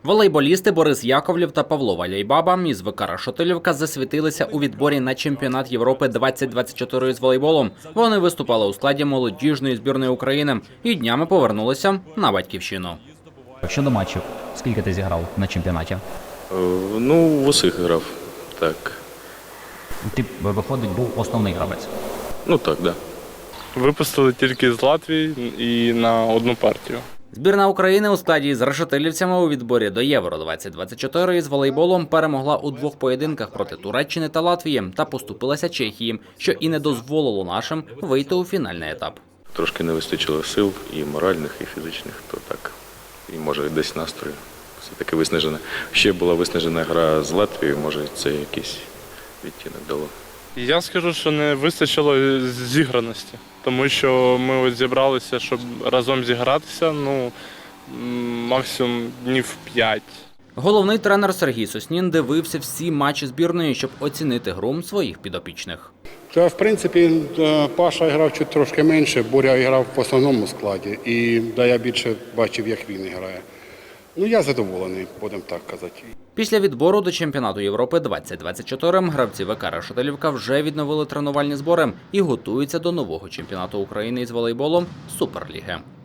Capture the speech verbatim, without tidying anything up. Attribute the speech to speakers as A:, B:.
A: Волейболісти Борис Яковлєв та Павло Валяйбаба із ВК Решетилівка засвітилися у відборі на чемпіонат Європи двадцять двадцять чотири з волейболу. Вони виступали у складі молодіжної збірної України і днями повернулися на батьківщину.
B: Щодо матчів, скільки ти зіграв на чемпіонаті?
C: Е, Ну, в усіх грав, так.
B: Ти, виходить, був основний гравець.
C: Ну так, да.
D: Випустили тільки з Латвії і на одну партію.
A: Збірна України у складі з решетилівцями у відборі до Євро двадцять двадцять чотири із волейболом перемогла у двох поєдинках проти Туреччини та Латвії та поступилася Чехії, що і не дозволило нашим вийти у фінальний етап.
C: Трошки не вистачило сил і моральних, і фізичних, то так. І може десь настрою все-таки виснажена. Ще була виснажена гра з Латвією, може це якийсь відтінок дало.
D: Я скажу, що не вистачило зіграності, тому що ми ось зібралися, щоб разом зігратися, ну, м, максимум днів п'ять.
A: Головний тренер Сергій Соснін дивився всі матчі збірної, щоб оцінити гру своїх підопічних.
E: Та, в принципі, Паша грав чуть трошки менше, Боря грав в основному складі. І да, я більше бачив, як він грає. Ну, я задоволений, будемо так казати.
A: Після відбору до чемпіонату Європи двадцять двадцять чотири гравці ВК Решетилівка вже відновили тренувальні збори і готуються до нового чемпіонату України із волейболу Суперліги.